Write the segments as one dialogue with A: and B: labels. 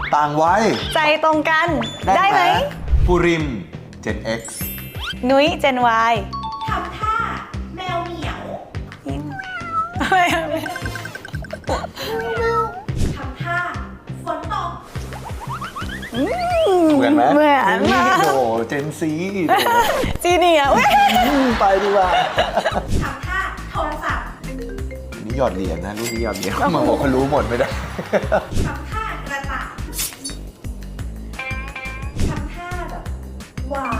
A: ต่างวัย
B: ใจตรงกัน ได้ไหม
A: ปูริม Gen X
B: นุ้ย Gen Y
C: ทำท่าแมวเหมียว
B: อะไร
C: ทำท่าฝนตก
A: เหมือนไหม
B: เหมือนมาก
A: โอ้โหเจนซี
B: จีเนียร์
A: ไปดีกว่า
C: ทำท่าโทรศัพท์
A: นี่หยอดเหรียญนะรุ่นนี้หยอดเหรียญมาบอกเขารู้หมดไม่ได้
C: ทำท่ากระต่ายทำท่าแบบหวาน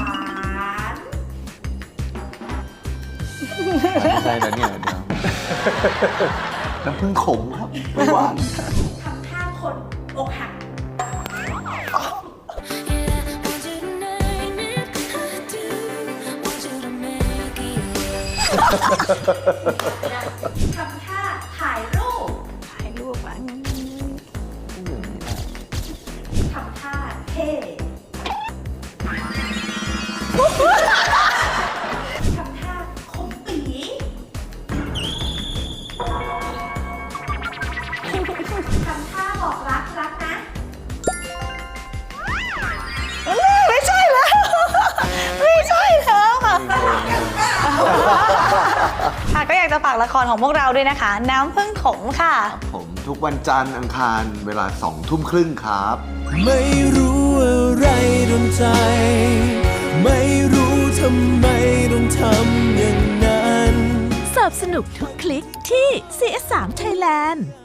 A: อะไรนะเนี่ยเดี๋ยวน้ำผึ้งขมครับไม่หวาน
C: ทำท่าคนอกหัก ทำท่าถ่ายรูป
B: ถ่ายรูปอ่ะ
C: ทำท่าเท่ทำท่าคมปีทำท่าบอกรักรักนะ
B: ไม่ใช่แล้ว ไม่ใช่แล้วค่ะ ค่ะก็อยากจะฝากละครของพวกเราด้วยนะคะ น้ำผึ้งขมค่ะ
A: ผมทุกวันจันทร์อังคารเวลา 20:30 ครับ
D: ไม่รู้อะไรโดนใจ ไม่รู้ทำไมต้องทำอย่างนั้น
E: สนับสนุกทุกคลิกที่ CS3 Thailand